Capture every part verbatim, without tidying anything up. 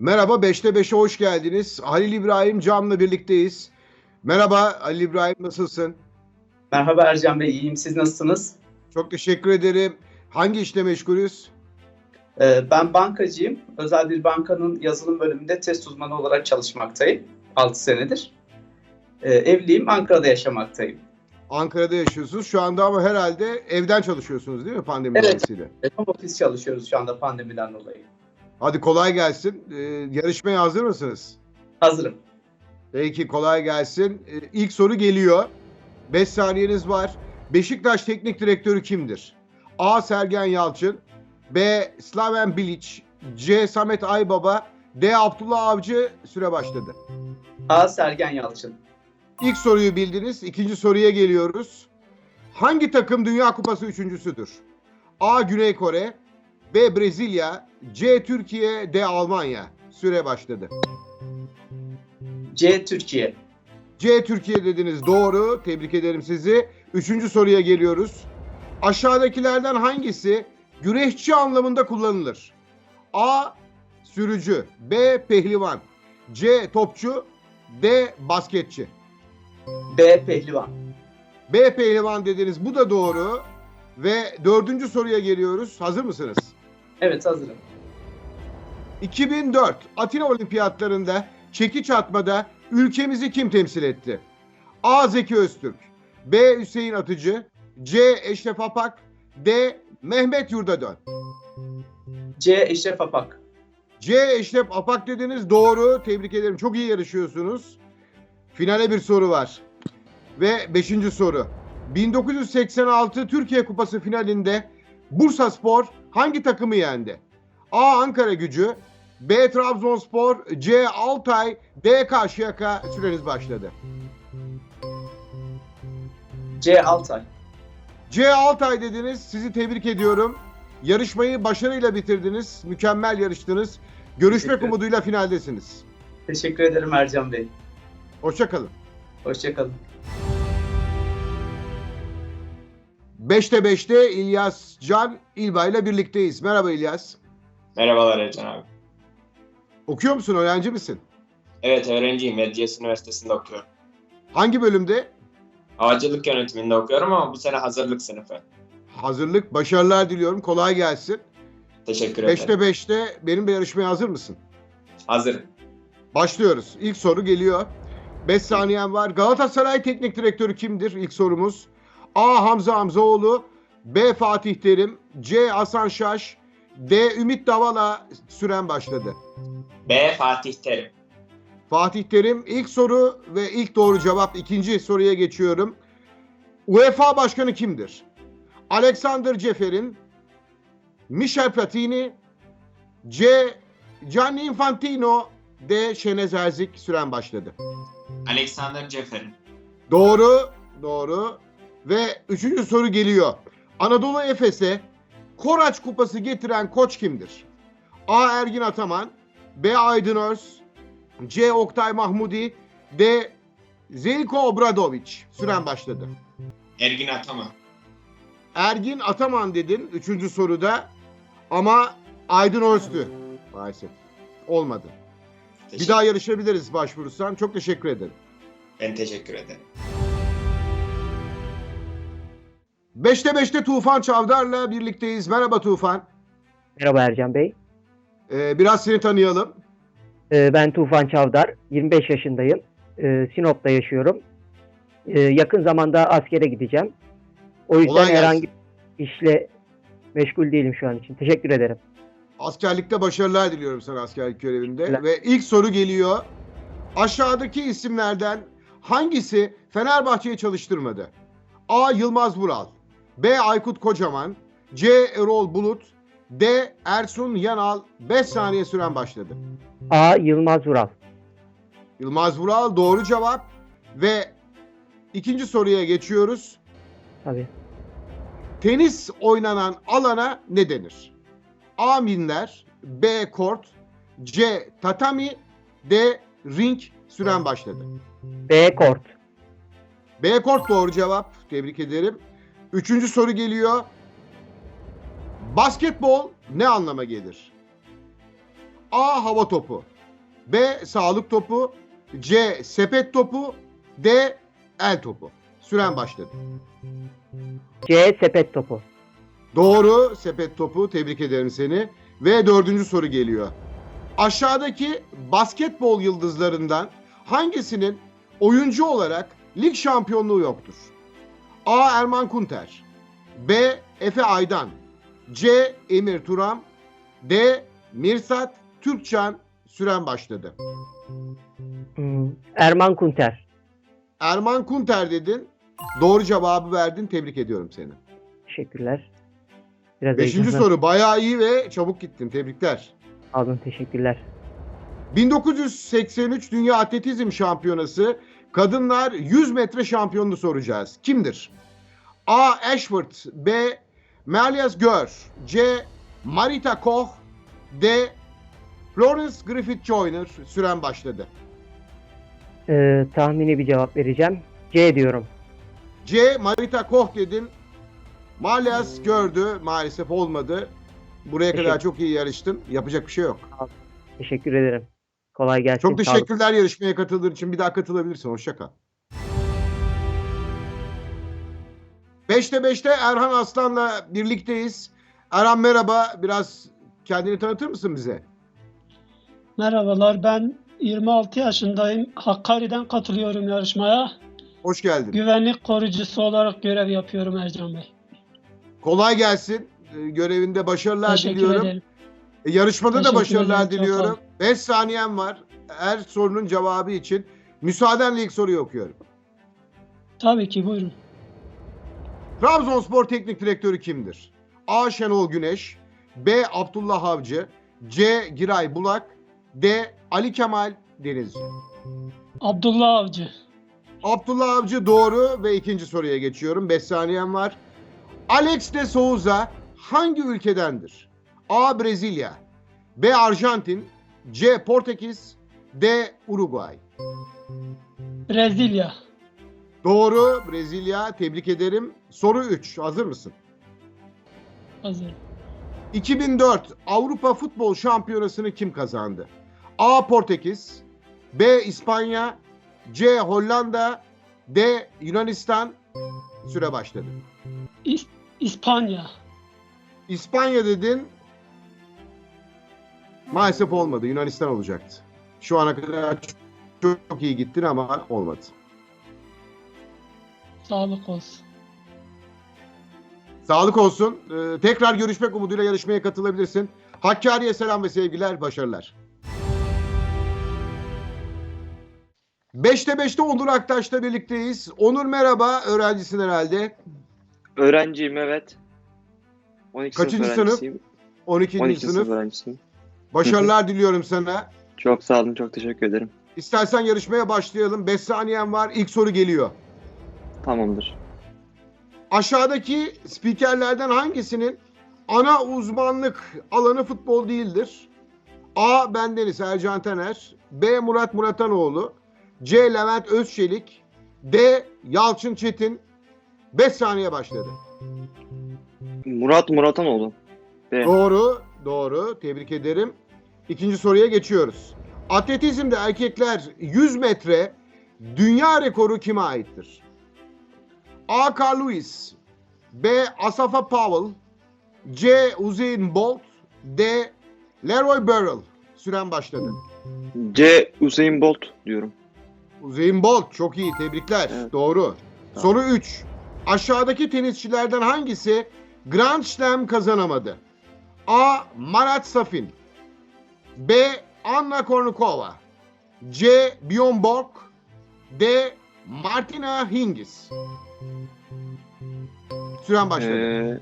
Merhaba, beşte beşe hoş geldiniz. Halil İbrahim Cam'la birlikteyiz. Merhaba Halil İbrahim, nasılsın? Merhaba Ercan Bey, iyiyim. Siz nasılsınız? Çok teşekkür ederim. Hangi işle meşgulüz? Ee, ben bankacıyım. Özel bir bankanın yazılım bölümünde test uzmanı olarak çalışmaktayım. altı senedir. Ee, evliyim, Ankara'da yaşamaktayım. Ankara'da yaşıyorsunuz. Şu anda ama herhalde evden çalışıyorsunuz değil mi pandemi Evet, dolayısıyla? home office çalışıyoruz şu anda pandemiden dolayı. Hadi kolay gelsin. Ee, yarışmaya hazır mısınız? Hazırım. Peki kolay gelsin. Ee, ilk soru geliyor. beş saniyeniz var. Beşiktaş Teknik Direktörü kimdir? A. Sergen Yalçın, B. Slaven Bilic, C. Samet Aybaba, D. Abdullah Avcı. Süre başladı. A. Sergen Yalçın. İlk soruyu bildiniz. İkinci soruya geliyoruz. Hangi takım Dünya Kupası üçüncüsüdür? A. Güney Kore, B. Brezilya, C. Türkiye, D. Almanya. Süre başladı. C. Türkiye. C. Türkiye dediniz. Doğru. Tebrik ederim sizi. Üçüncü soruya geliyoruz. Aşağıdakilerden hangisi güreşçi anlamında kullanılır? A. Sürücü, B. Pehlivan, C. Topçu, D. Basketçi. B. Pehlivan. B. Pehlivan dediniz. Bu da doğru. Ve dördüncü soruya geliyoruz. Hazır mısınız? Evet, hazırım. iki bin dört Atina Olimpiyatlarında çekiç atmada ülkemizi kim temsil etti? A. Zeki Öztürk, B. Hüseyin Atıcı, C. Eşref Apak, D. Mehmet Yurdadön. C. Eşref Apak. C. Eşref Apak dediniz. Doğru. Tebrik ederim. Çok iyi yarışıyorsunuz. Finale bir soru var. Ve beşinci soru. bin dokuz yüz seksen altı Türkiye Kupası finalinde Bursaspor hangi takımı yendi? A. Ankaragücü, B. Trabzonspor, C. Altay, D. Karşıyaka. Süreniz başladı. C. Altay. C. Altay dediniz. Sizi tebrik ediyorum. Yarışmayı başarıyla bitirdiniz. Mükemmel yarıştınız. Görüşmek umuduyla finaldesiniz. Teşekkür ederim Ercan Bey. Hoşça kalın. Hoşça kalın. beşte beşte İlyas Can İlba ile birlikteyiz. Merhaba İlyas. Merhabalar Ercan abi. Okuyor musun? Öğrenci misin? Evet, öğrenciyim. Medcezir Üniversitesi'nde okuyorum. Hangi bölümde? Havacılık yönetiminde okuyorum ama bu sene hazırlık sınıfı. Hazırlık. Başarılar diliyorum. Kolay gelsin. Teşekkür ederim. beşte beşte benimle yarışmaya hazır mısın? Hazırım. Başlıyoruz. İlk soru geliyor. beş saniyen var. Galatasaray Teknik Direktörü kimdir? İlk sorumuz. A. Hamza Hamzaoğlu, B. Fatih Terim, C. Hasan Şaş, D. Ümit Davala. Süren başladı. B. Fatih Terim. Fatih Terim ilk soru ve ilk doğru cevap. İkinci soruya geçiyorum. UEFA Başkanı kimdir? Alexander Ceferin, Michel Platini, C. Gianni Infantino, D. Şenez Erzik. Süren başladı. Alexander Ceferin. Doğru, doğru. Ve üçüncü soru geliyor. Anadolu Efes'e Koraç Kupası getiren koç kimdir? A. Ergin Ataman, B. Aydın Öz, C. Oktay Mahmudi, D. Zeljko Obradović. Süren başladı. Ergin Ataman. Ergin Ataman dedin üçüncü soruda ama Aydın Öz'tü maalesef. Olmadı. Teşekkür. Bir daha yarışabiliriz başvurursan. Çok teşekkür ederim. Ben teşekkür ederim. beşte beşte Tufan Çavdar'la birlikteyiz. Merhaba Tufan. Merhaba Ercan Bey. Ee, biraz seni tanıyalım. Ee, ben Tufan Çavdar. yirmi beş yaşındayım. Ee, Sinop'ta yaşıyorum. Ee, yakın zamanda askere gideceğim. O yüzden Kolay gelsin. herhangi bir işle meşgul değilim şu an için. Teşekkür ederim. Askerlikte başarılar diliyorum sana askerlik görevinde. Teşekkürler. Ve ilk soru geliyor. Aşağıdaki isimlerden hangisi Fenerbahçe'yi çalıştırmadı? A. Yılmaz Vural, B. Aykut Kocaman, C. Erol Bulut, D. Ersun Yanal. beş saniye süren başladı. A. Yılmaz Vural. Yılmaz Vural doğru cevap. Ve ikinci soruya geçiyoruz. Tabii. Tenis oynanan alana ne denir? A. Minder, B. Kort, C. Tatami, D. Ring. Süren başladı. B. Kort. B. Kort doğru cevap. Tebrik ederim. Üçüncü soru geliyor. Basketbol ne anlama gelir? A. Hava topu, B. Sağlık topu, C. Sepet topu, D. El topu. Süren başladı. C. Sepet topu. Doğru, sepet topu. Tebrik ederim seni. Ve dördüncü soru geliyor. Aşağıdaki basketbol yıldızlarından hangisinin oyuncu olarak lig şampiyonluğu yoktur? A. Erman Kunter, B. Efe Aydan, C. Emir Turam, D. Mirsat Türkçan. Süren başladı. Hmm, Erman Kunter. Erman Kunter dedin. Doğru cevabı verdin. Tebrik ediyorum seni. Teşekkürler. Biraz Beşinci heyecanlı. soru. Bayağı iyi ve çabuk gittin. Tebrikler. Alın, teşekkürler. bin dokuz yüz seksen üç Dünya Atletizm Şampiyonası kadınlar yüz metre şampiyonunu soracağız. Kimdir? A. Ashworth, B. Melias Gör, C. Marita Koch, D. Florence Griffith Joyner. Süren başladı. Ee, tahmini bir cevap vereceğim. C diyorum. C. Marita Koch dedin. Malias gördü. Maalesef olmadı. Buraya kadar Teşekkür- çok iyi yarıştın. Yapacak bir şey yok. Teşekkür ederim. Kolay gelsin. Çok Sağ olun. teşekkürler yarışmaya katıldığın için. Bir daha katılabilirsin. Hoşça kal. beşte beşte Erhan Aslan'la birlikteyiz. Erhan merhaba. Biraz kendini tanıtır mısın bize? Merhabalar, ben yirmi altı yaşındayım. Hakkari'den katılıyorum yarışmaya. Hoş geldin. Güvenlik korucusu olarak görev yapıyorum Ercan Bey. Kolay gelsin. Ee, Görevinde başarılar Teşekkür diliyorum. ederim. E, Yarışmada da Teşekkür başarılar ederim, çok sağ diliyorum. ol. beş saniyem var. Her sorunun cevabı için. Müsaadenle ilk soruyu okuyorum. Tabii ki, buyurun. Trabzonspor Teknik Direktörü kimdir? A. Şenol Güneş, B. Abdullah Avcı, C. Giray Bulak, D. Ali Kemal Denizci. Abdullah Avcı. Abdullah Avcı doğru ve ikinci soruya geçiyorum. beş saniyem var. Alex de Souza hangi ülkedendir? A. Brezilya, B. Arjantin, C. Portekiz, D. Uruguay. Brezilya. Doğru, Brezilya. Tebrik ederim. Soru üç. Hazır mısın? Hazır. iki bin dört Avrupa Futbol Şampiyonası'nı kim kazandı? A. Portekiz, B. İspanya, C. Hollanda, D. Yunanistan. Süre başladı. İs- İspanya. İspanya dedin. Maalesef olmadı. Yunanistan olacaktı. Şu ana kadar çok, çok iyi gittin ama olmadı. Sağlık olsun. Sağlık olsun. Ee, tekrar görüşmek umuduyla yarışmaya katılabilirsin. Hakkari'ye selam ve sevgiler, başarılar. beşte beşte Onur Aktaş'la birlikteyiz. Onur merhaba, öğrencisin herhalde. Öğrenciyim, evet. on iki Kaçıncı sınıf sınıf? öğrencisiyim. on ikinci on iki sınıf. sınıf öğrencisiyim. Başarılar diliyorum sana. Çok sağ olun, çok teşekkür ederim. İstersen yarışmaya başlayalım. beş saniyen var. İlk soru geliyor. Tamamdır. Aşağıdaki spikerlerden hangisinin ana uzmanlık alanı futbol değildir? A. Bendeniz Ercan Taner, B. Murat Muratanoğlu, C. Levent Özçelik, D. Yalçın Çetin. beş saniye başladı. Murat Muratanoğlu. B. Doğru, doğru. Tebrik ederim. İkinci soruya geçiyoruz. Atletizmde erkekler yüz metre dünya rekoru kime aittir? A. Carl Lewis, B. Asafa Powell, C. Usain Bolt, D. Leroy Burrell. Süren başladı. C. Usain Bolt diyorum. Usain Bolt çok iyi, tebrikler. Evet. Doğru. Tamam. Soru üç. Aşağıdaki tenisçilerden hangisi Grand Slam kazanamadı? A. Marat Safin, B. Anna Kournikova, C. Bjorn Borg, D. Martina Hingis. Süren başladı. Ee,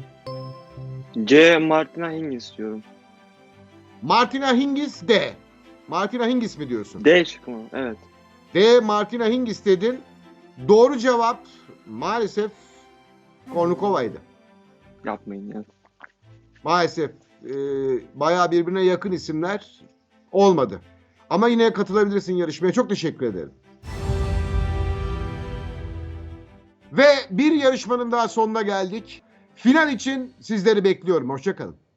C. Martina Hingis diyorum. Martina Hingis D. Martina Hingis mi diyorsun? D şıkkı mı? Evet. D. Martina Hingis dedin. Doğru cevap maalesef Kournikova'ydı. Yapmayın ya. Maalesef e, bayağı birbirine yakın isimler olmadı. Ama yine katılabilirsin yarışmaya. Çok teşekkür ederim. Ve bir yarışmanın daha sonuna geldik. Final için sizleri bekliyorum. Hoşça kalın.